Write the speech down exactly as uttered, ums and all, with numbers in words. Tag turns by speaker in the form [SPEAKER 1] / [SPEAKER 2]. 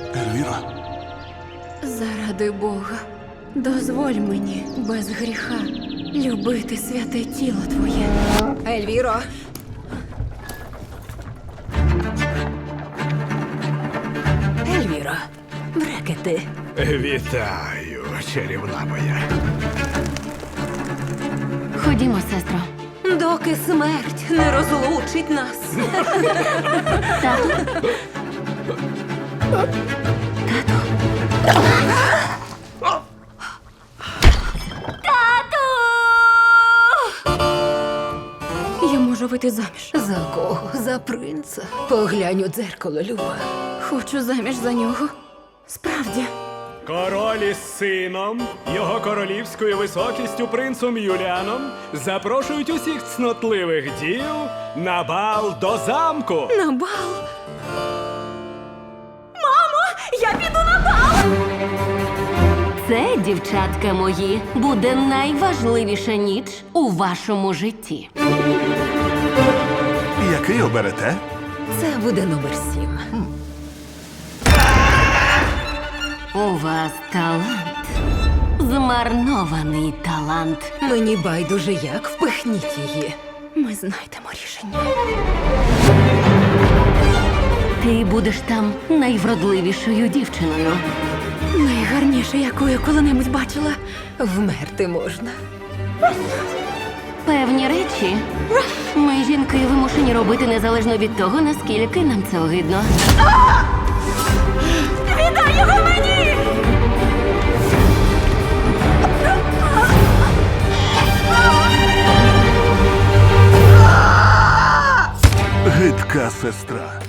[SPEAKER 1] Ельвіра,
[SPEAKER 2] Заради Бога, дозволь мені без гріха любити святе тіло твоє.
[SPEAKER 3] Ельвіро! Ельвіро, брекети.
[SPEAKER 4] Вітаю, чарівна моя.
[SPEAKER 5] Ходімо, сестро.
[SPEAKER 3] Доки смерть не розлучить нас.
[SPEAKER 5] Тату? Тату?
[SPEAKER 2] Я можу вийти заміж.
[SPEAKER 3] За кого? За принца? Поглянь у дзеркало, Люба.
[SPEAKER 2] Хочу заміж за нього. Справді.
[SPEAKER 4] Король із сином, його королівською високістю принцем Юліаном запрошують усіх цнотливих дів на бал до замку.
[SPEAKER 2] На бал. Мамо, я піду на бал!
[SPEAKER 5] Це, дівчатка мої, буде найважливіша ніч у вашому житті.
[SPEAKER 1] який оберете?
[SPEAKER 3] Це буде номер сім.
[SPEAKER 5] У вас талант. Змарнований талант.
[SPEAKER 3] Мені байдуже як, впихніть її.
[SPEAKER 2] Ми знайдемо рішення.
[SPEAKER 5] Ти будеш там найвродливішою дівчиною.
[SPEAKER 2] Найгарніше, яку я коли-небудь бачила.
[SPEAKER 3] Вмерти можна.
[SPEAKER 5] Певні речі ми, жінки, вимушені робити незалежно від того, наскільки нам це огидно.
[SPEAKER 2] Віддай його мені!
[SPEAKER 1] Гидка сестра.